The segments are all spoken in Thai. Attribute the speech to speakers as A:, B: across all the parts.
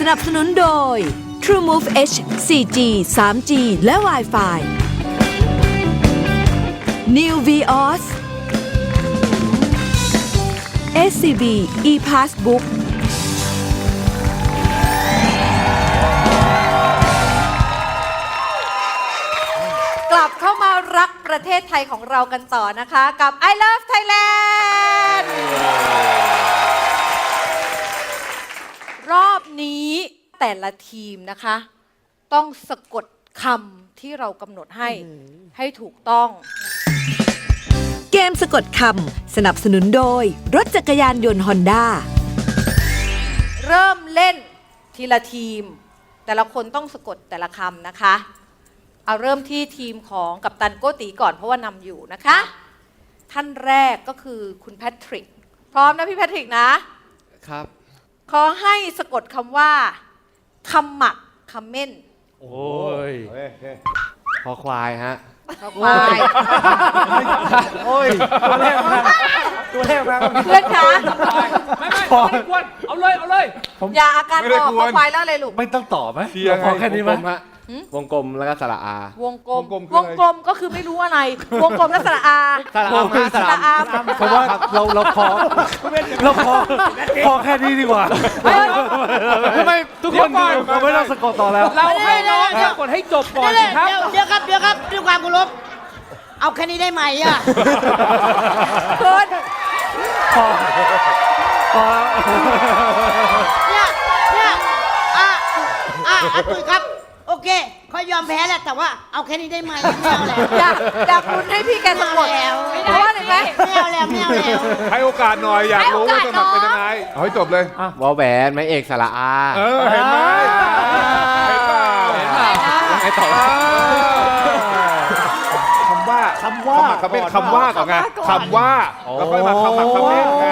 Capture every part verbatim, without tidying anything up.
A: นับสนุนโดย TrueMove H โฟร์ จี ทรีจี และ Wi-Fi New Vios เอส ซี บี ePassbook
B: กลับเข้ามารักประเทศไทยของเรากันต่อนะคะกับ I Love Thailand รอบนี้แต่ละทีมนะคะ ต้องสะกดคำที่เรากำหนดให้ให้ถูกต้อง
A: เกมสะกดคำสนับสนุนโดยรถจักรยานยนต์ฮอนด้า
B: เริ่มเล่นทีละทีม แต่ละคนต้องสะกดแต่ละคำนะคะเอาเริ่มที่ทีมของกัปตันโกตีก่อนเพราะว่านำอยู่นะคะท่านแรกก็คือคุณแพทริกพร้อมนะพี่แพทริกนะครับ ขอให้สะกดคำว่าคำหมักคำเม่น
C: โอ้ยคอควายฮะ
B: ควาย
D: โอ้ยตัวแรกมาตัวแรกมา
B: เพื่อนคะ
E: ไม่ไม่ไม่ได้กวนเอาเลยเอาเลย
B: อย่าอาการออกควายแล้วอะไรลูก
D: ไม่ต้องต่อไหม
C: เราพอแค่นี้ไหมวงกลมแล้วก็สระอาว
B: งกลมวงกลมก็คือไม่รู้อะไร วงกลมและสระอา
C: สระอามาส
B: ส
C: ระ
B: ระอา
D: เพราะว่าเราเราพอเราพอพอแค่นี้ดีกว่าทำไมทุกคนเราไม่ต้องสะกดต่อแล้ว
E: เราให้น้องสะกดให้จบก่อนสิครับ
F: เดี๋ยวเดี๋ยวครับเดี๋ยวครับด้วยความเคารพเอาแค่นี้ได้ไหมอ่ะ
B: คุณ
D: พอพอ
F: เนี่ยเนี่ยอ่ะอ่ะอ่ะตุ้ยครับ โอเคเขายอมแพ้แหละแต่ว่าเอาแค่นี้ได้ไหมไม่เอาแล้ว
B: อยากอยากลุ้นให้พี่แกสะกด
F: ไม่เอา
B: เพราะว่าอะไรไหม
F: ไม่เอาแล้วไม่เอาแล้ว
G: ให้โอกาสหน่อยอยากรู้ว่าสมัครเป็นยังไงเอาให้จบเลยว
C: อแหวนไม้เอกสระอา
G: เออเห็นไหมเห็นเปล่า
C: ไอ้ต่อ
G: คำว่า
D: คำว่า
G: คำเป็นคำว่าก่อนไงคำว่าแล้วค่อยมาคำหมักคำเล่นไง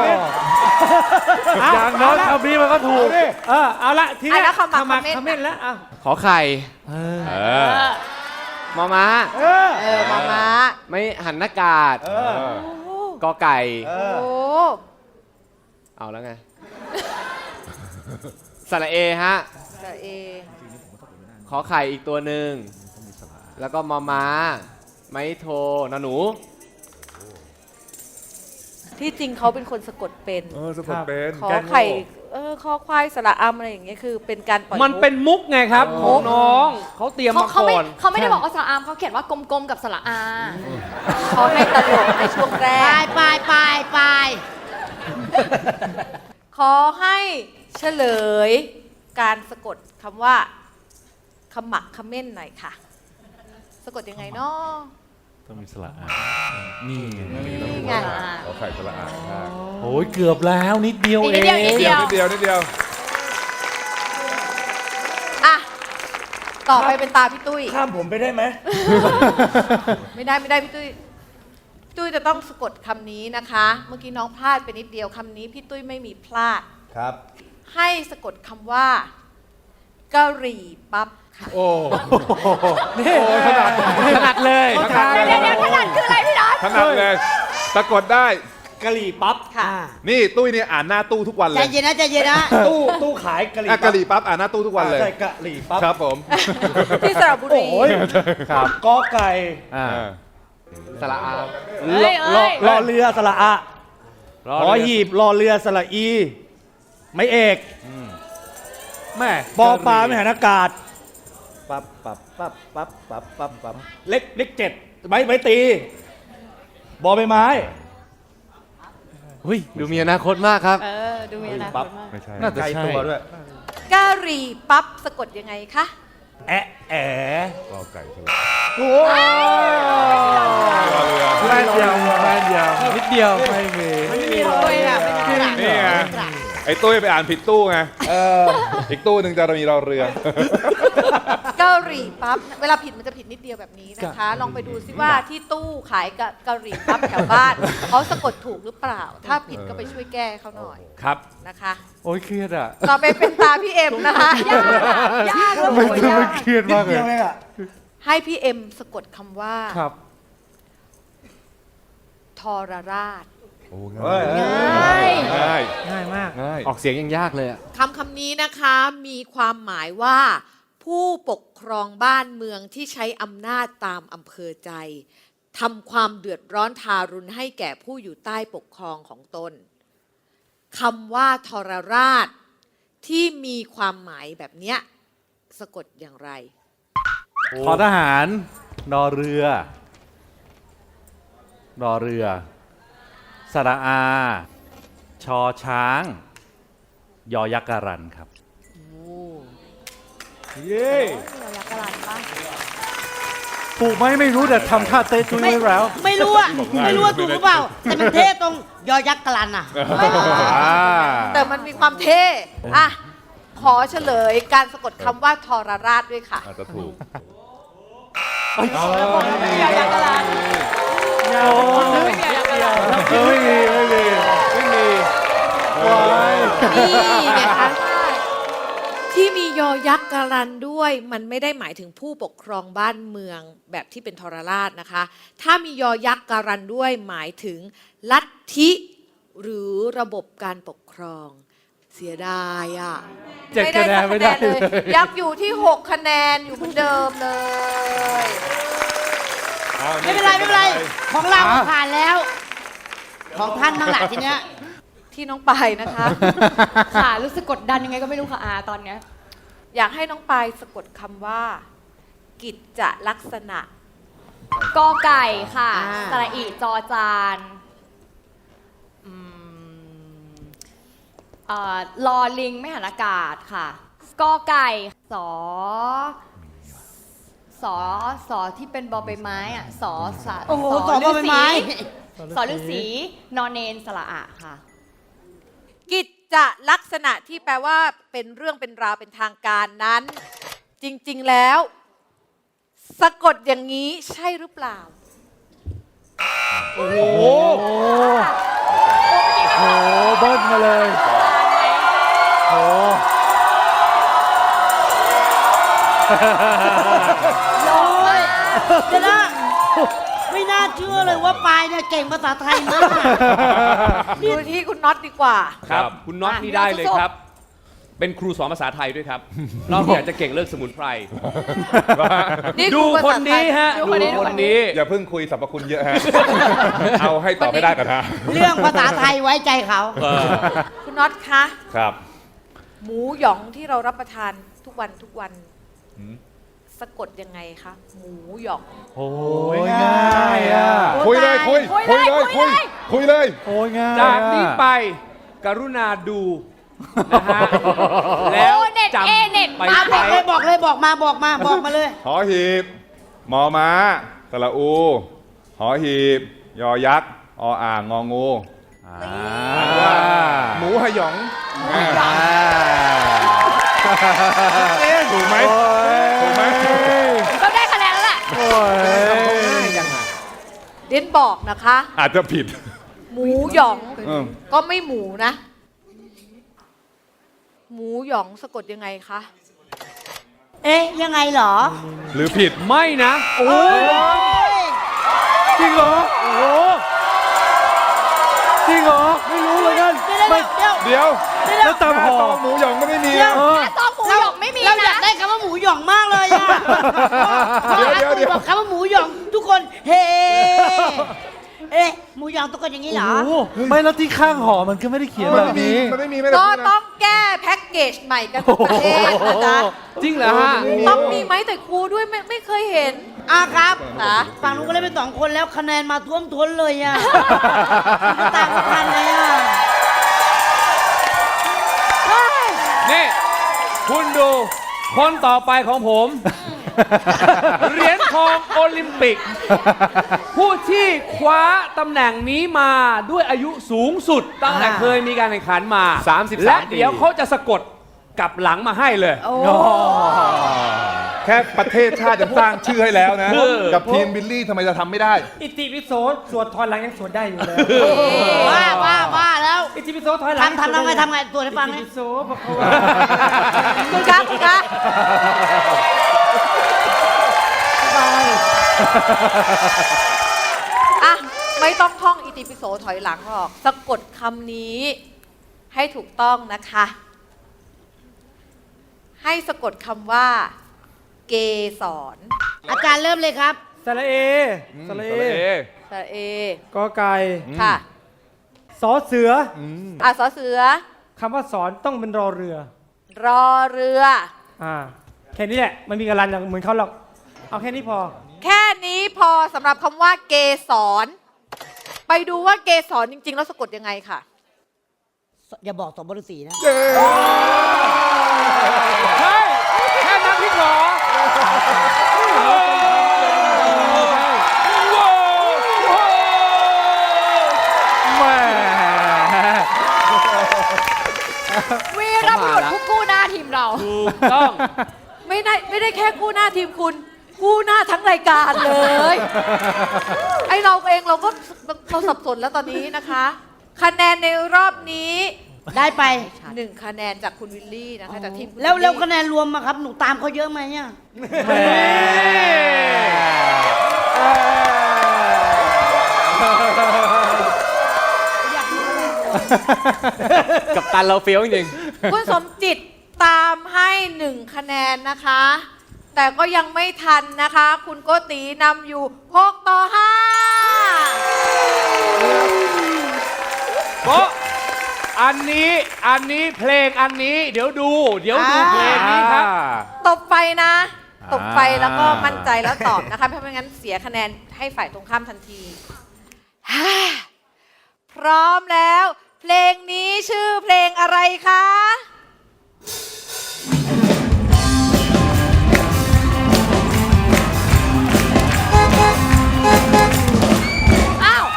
D: อย่างน้อยคำนี้มันก็ถูกเออเอาละที
B: อ่ะ
D: นี้
B: แล้วคำหมักคำเม่น
D: คำเม่นแล้วอ่ะ
C: ขอไข่
D: เออ
C: เออมอม้า
D: เออ
B: เออมาม้า
C: ไม่หันหน้ากาด
D: เออ
C: กอไก่
D: เอ
B: โอ้
D: อ
C: เอาแล้วไงสระเอฮะ
B: สระเอ
C: ขอไข่อีกตัวหนึ่งแล้วก็มอม้า ไม้โทนอหนู
B: ที่จริงเขาเป็นคนสะกดเป็น
G: เออสะกดเป็น
B: ขอไข่เออขอควายสระอำอะไรอย่างเงี้ยคือเป็นการปล่อย
E: มันเป็นมุกไงครับของน้องเขาเตรียม
H: เขา
E: มา
H: เขาไม่
E: ก่อน
H: เขาไม่ได้บอกว่าสระอามเขาเขียนว่ากลมๆกับสระอา
B: เขาให้ตลกในช่วงแร
F: ไป
B: ก
F: ไปไปไป
B: ขอให้เฉลยการสะกดคำว่าขมักเขม้นหน่อยค่ะ สะกดยังไงเนาะ
D: ต้องมีสระอานี่ไง
B: นี่ไง
G: ขอไข่สละอาดได้
D: โอ้ยเกือบแล้วนิดเดียวเอ
H: นิด
D: ง
H: เดียวนิด
G: นิด
H: เดี
G: เดี
H: ย
G: ยว วนิดเดียวนิดเดียว
B: อ่ะต่อไปเป็นตาพี่ตุ้ย
D: ข้ามผมไปได้ไหม
B: ไม่ได้ไม่ได้พี่ตุ้ยพี่ตุ้ยจะต้องสะกดคำนี้นะคะ เมื่อกี้น้องพลาดไปนิดเดียวคำนี้พี่ตุ้ยไม่มีพลาด
D: ครับ
B: ให้สะกดคำว่ากะหรี่ปั๊บค่ะ
G: โอ้
D: นี่ขนาดขนาดเลย
G: ขนาด
H: เดี๋ยวเดี๋ยวขนาดคืออะไรพี่นัท
G: ขนาดเลยสะกดได้
D: กะหรี่ปั๊บ
B: ค่ะ
G: นี่ตุ้ยเนี่ยอ่านหน้าตู้ทุกวันเล
F: ใจ
G: ย
F: เย็นนะใจเย็นนะ
D: ตู้ตู้ขายกะหรี่
G: อ่ะกะหรี่ปั๊บอ่านหน้าตู้ทุกวันเลย
D: ใช่กะหรี่ปั๊บ
G: ครับผม
B: ที่สระบุรี
D: โอ้ยครับกอไก่
G: อ่า
C: สระอา
H: เอ้ย
D: รอ
H: เอ้ย
D: รอเรือสระอะรอหีบรอเรือสระอี ไม่เอกแม่ปอปลาไม่หันอากาศปั๊บปั๊บปั๊บปั๊บปั๊บปั๊บปั๊บเล็กเล็กเจ็ดใบใบตี บอใบไม้
C: หุ้ยดูมีอนาคตมากครับ
H: เออ ดูมีอนาค
D: ปั๊บ
H: ตมาก
G: ไม่ใช่
D: น่าจะใช่ตัวด้วย
B: กะหรี่ปั๊บสะกดยังไงคะ
D: แอะแอะ
G: รอไก่สละ
D: โอ้
G: รอเรือ
D: แม่เดียวแม่เดียวนิดเดียวไม่มี
F: ไม่มีเลยอ่ะไม่มีกระดาษ
G: นี่ไงไอ้ตุ้ยไปอ่านผิดตู้ไงอีกตู้หนึ่งจะมีรอเรือ
B: กะหรี่ปั๊บเวลาผิดมันจะผิดนิดเดียวแบบนี้นะคะ ลองไปดูซิว่าที่ตู้ขายกะกะหรี่ปั๊บแถวบ้านเขาสะกดถูกหรือเปล่า ถ้าผิดก็ไปช่วยแก้เขาหน่อย
D: ครับ
B: นะคะ
D: โอ้ยเครียดอ่ะ
B: ต่อไปเป็นตาพี่เอ็มนะคะยากยากเลย
D: ไม่
B: ยาก
D: เครียดมากเลย
B: ให้พี่เอ็มสะกดคำว่า
D: ครับ
B: ทรราช
G: โอ้
D: เฮ้
G: ง่าย
D: ย
G: ง่าย
D: ง่ายมาก
G: ง่าย
C: ออกเสียงยังยากเลยอะ
B: คำคำนี้นะคะมีความหมายว่า ผู้ปกครองบ้านเมืองที่ใช้อำนาจตามอำเภอใจทำความเดือดร้อนทารุณให้แก่ผู้อยู่ใต้ปกครองของตนคำว่าทรราชที่มีความหมายแบบเนี้ยสะกดอย่างไร
D: ขอทหารนอเรือรอเรือสระอา ชอช้าง ยอยักษ์การันครับเย้ถูกไหมไม่รู้แต่ทำท่าเต้จุ้ย
F: ไม่
D: ไว้แล้ว
F: ไม่รู้อะไม่รู้ว่าถูกหรือเปล่า แต่มันเท่ตรงยอยักษ์กลันอะ
D: อ่า
B: แต่มันมีความเท่อะขอเฉลยการสะกดคำว่าทรราชด้วยค่ะ
G: อาจจะถูก
D: ไม่มีไม่มีไม่มีว้าย
B: นี่ไงคะที่มียอยักษ์การันด้วย มันไม่ได้หมายถึงผู้ปกครองบ้านเมืองแบบที่เป็นทรราชนะคะ ถ้ามียอยักษ์การันด้วยหมายถึงลัทธิหรือระบบการปกครอง เสียดายอ่ะ
D: เจ็ดคะแนนไม่ได้
B: เลย ยังอยู่ที่หกคะแนนอยู่เหมือนเดิมเลย
F: ไม่เป็นไรไม่เป็นไร ของเราผ่านแล้ว ของท่านบ้างล่ะทีเนี้ย
B: ที่น้องปายนะคะ
H: ค่ะรู้สึกกดดันยังไงก็ไม่รู้ค่ะอาตอนเนี้ย
B: อยากให้น้องปายสะกดคำว่า กิจจลักษณะ
H: กอไก่ค่ะ
B: อ่า
H: สระอีจอจานอืมเอ่อลอลิงไม่หันอากาศค่ะกอไก่สอสอสอที่เป็นบอใบไม้อะสอสะ
F: โอ้โหสอใบไม้
H: สอฤาษีนอนเนนสระอะค่ะ
B: กิจจลักษณะที่แปลว่าเป็นเรื่องเป็นราวเป็นทางการนั้น จริงๆแล้ว สะกดอย่างนี้ใช่หรือเปล่า
D: โอ้โหโอ้โหเบิ้ลมาเลยโอ้โห
F: โอ้ยเดี๋ยวนะไม่น่าเชื่อเลยว่าปายเนี่ยเก่งภาษาไทยมาก
B: ดูที่คุณน็อตดีกว่า
E: ครับ คุณน็อตนี่ได้เลยครับ เป็นครูสอนภาษาไทยด้วยครับนอกจากจะเก่งเรื่องสมุนไพร
B: นี่
E: ดู
B: คือ
E: ค
B: ภาน ษาไทย
E: นี้ฮะ
H: ดู
E: ดู
H: คนนี้
E: คนนี้
G: อย่าเพิ่งคุยสรรพคุณเยอะฮะ เอาให้ตอบไม่ได้กันนะ
F: เรื่องภาษาไทยไว้ใจเขา
E: เออ
B: คุณน็อตคะ
G: ครับ
B: หมูหยองที่เรารับประทานทุกวันทุกวัน
G: หืม
B: สะกดยังไงคะหมูหยอง
D: โอ้ยง่ายอ่ะ
G: คุยเลยคุย
H: คุย
G: คุย
H: เล
G: เลย ย
H: คุ
G: คุ
H: ย
G: ย
H: เลย
G: คุยเลย
D: โอ้ยง่าย
E: จากนี้ไปกรุณาดูนะฮะแล้ว
H: โอ้เน็ต
E: จำ
H: เอเน็ต
E: ไป
F: มาบอ
E: ใช้
F: กเลยบอกเลยบอกมาบอกมาบอกมาเลย
G: หอหีบ มอม้าสระอู หอหีบ ยอยักษ์ออ่างงองู
D: อ่า
G: ว่าหมูหยอง
D: อ่า
G: ถูกไหมถูกไหม
H: ก็ได้คะแนนแล้วแหละ
D: โอ้ย
B: เด่นบอกนะคะ
G: อาจจะผิด
B: หมูหยอง
G: เออ
B: ก็ไม่หมูนะ หมูหยองสะกดยังไงคะ
F: เอ๊ะยังไงเหรอ
G: หรือผิด
E: ไม่นะ
D: โอ้ยจริงเหรอ โอ้โหจริงเหรอ ไม่รู้เลยกัน
F: เดี๋ยว
D: ไม่
F: เดี๋ยว
G: เดี๋ยว
D: แล้วตามห่อ
G: ตองหมูหยองไม่ได้มี
F: เดี๋ยว
D: เออ
H: แต่ซองหมูหยองไม่มี
F: เราอยา
H: นะ
F: กได้คำว่าหมูหยองมากเลยอะพอ
G: เดี๋ยว
F: อา
G: เดี๋ยว
F: ตุ๋
G: เดี๋
F: ย
G: ยว
F: บอกคำว่าหมูหยองทุกคนเฮ้เอ๊ะหมูหยองทุกคนอย่างนี้เหรอ
D: โอ้โหไม่แล้วที่ข้างห่อมันก็ไม่ได้เขียน
G: มัน
D: แบบ
G: ไม่มี
D: นี้
G: มันไม่มีไม่ได้
B: ก็
G: พูดนะ
B: ต้องแก้แพ็กเกจใหม่กันทุกประเทศนะจ๊ะ
E: จริงเหรอฮะ
B: ต้องมีไม้แต่ครูด้วยไม่ไม่เคยเห็น
F: อ่ะครับ
B: นะ
F: ฝั่งนู้นก็เล่นไปสองคนแล้วคะแนนมาท่วมท้นเลยอ่ะ ไม่ต่างกันเลยอ่ะ
E: นี่ คุณดูคนต่อไปของผม เหรียญทองโอลิมปิก ผู้ที่คว้าตำแหน่งนี้มาด้วยอายุสูงสุด ตั้งแต่
F: อ่า
E: เคยมีการแข่งขันมา
C: สามสิบสาม
E: และ
C: ปี
E: เดี๋ยวเขาจะสะกดกลับหลังมาให้เลย
F: โอ้
G: แค่ประเทศชาติจะสร้างชื่อให้แล้วนะ
E: เออ
G: กับทีมบิลลี่ทำไมจะทำไม่ได้
I: อิติปิโสสวดถอยหลังยังสวดได้อยู่เลย
F: ว่าว่าว่าแล้ว
I: อิติปิโสถอยหลัง
F: ทำทำทำไงทำไงตัวให้ฟัง
I: อิ
F: ไหม
I: ติปิโสพระเขาว่า
B: คุณคะคุณคะอ่ะไม่ต้องท่องอิติปิโสถอยหลังหรอก สะกดคำนี้ให้ถูกต้องนะคะ ให้สะกดคำว่า เกสร
F: อาจารย์เริ่มเลยครับ
I: สระเอ สระเอ
G: สระเอ
B: สระเอ
I: กอไก่
B: ค่ะ
I: สอเสือ
B: อ่ะสอเสือ
I: คำว่าสอนต้องเป็นรอเรือ
B: รอเรือ
I: อ่า แค่นี้แหละ มันมีกระลันอย่างเหมือนเขาหรอก เอาแค่นี้พอ
B: แค่นี้พอสำหรับคำว่าเกสร ไปดูว่าเกสรจริงๆ แล้วสะกดยังไงค่ะ
F: อย่าบอกสมบรสีนะ
E: ใช่แค่นั้นพี่หรอ
D: แหม่
H: วีรบุรุษผู้กู้หน้าทีมเรา
E: ถูกต้อง
B: ไม่ได้ไม่ได้แค่กู้หน้าทีมคุณ กู้หน้าทั้งรายการเลย ไอเราเองเราก็เราสับสนแล้วตอนนี้นะคะ คะแนนในรอบนี้
F: ได้ไป
B: หนึ่งคะแนนจากคุณวิลลี่นะคะจากทีมคุณ
F: แล้วแล้ว
B: วิ
F: คะแนนรวมมาครับ หนูตามเขาเยอะไหมอ่ะ
D: แหม่
C: กับตันเราเฟี้ยวจริง
B: คุณสมจิตตามให้หนึ่งคะแนนนะคะ แต่ก็ยังไม่ทันนะคะ คุณโกตีนำอยู่หกต่อห้า
E: โป๊ะอันนี้อันนี้เพลงอันนี้ เดี๋ยวดู เดี๋ยวดูเพลงนี้ครับ
B: ตบไฟนะ ตบไฟแล้วก็มั่นใจแล้วตอบนะคะ เพราะไม่งั้นเสียคะแนนให้ฝ่ายตรงข้ามทันที พร้อมแล้ว เพลงนี้ชื่อเพลงอะไรคะ อ้าว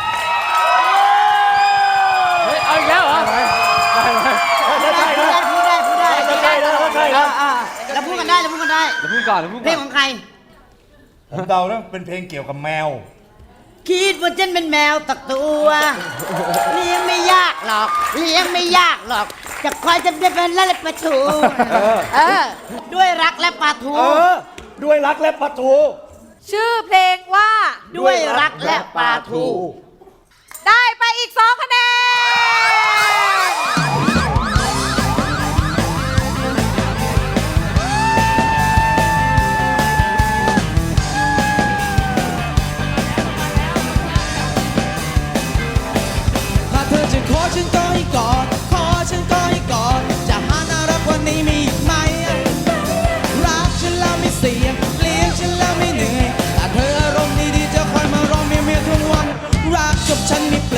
E: เฮ้ย เอาอีกแล้วเหรอ
F: พูดได้พูดได้พูดได้พูดได้
D: ใช่แล้วใช่แล้ว
F: อ่าเราพูดกันได้เราพูดกันได้
C: ๆเราพูดก่อนเราพูด
F: เพล
C: ก่
F: ง
C: อน
F: ของใคร
D: ผมเดาแล้วเป็นเพลงเกี่ยวกับแมว
F: คิดว่าฉันเป็นแมวตักตัวเลี้ยงไม่ยากหรอกเลี้ยงไม่ยากหรอก จะคอยจะเป็นและปลาทูเออ ด้วยรักและปลาทู
D: เออ ด้วยรักและปลาทู
B: ชื่อเพลงว่า
F: ด้วยรักและปลาทู
B: ได้ไปอีกสองคะแนน
J: ถ้าเธอจะขอฉันก็ให้กอด ขอฉันก็ให้กอด จะหาน่ารักกว่านี้มีอีกไหม รักฉันแล้วไม่เสียเลี้ยงฉันแล้วไม่เหนื่อยถ้าเธออารมณ์ดีๆจะคอยมาร้องเมียเมียทุกวัน รักกับฉันมี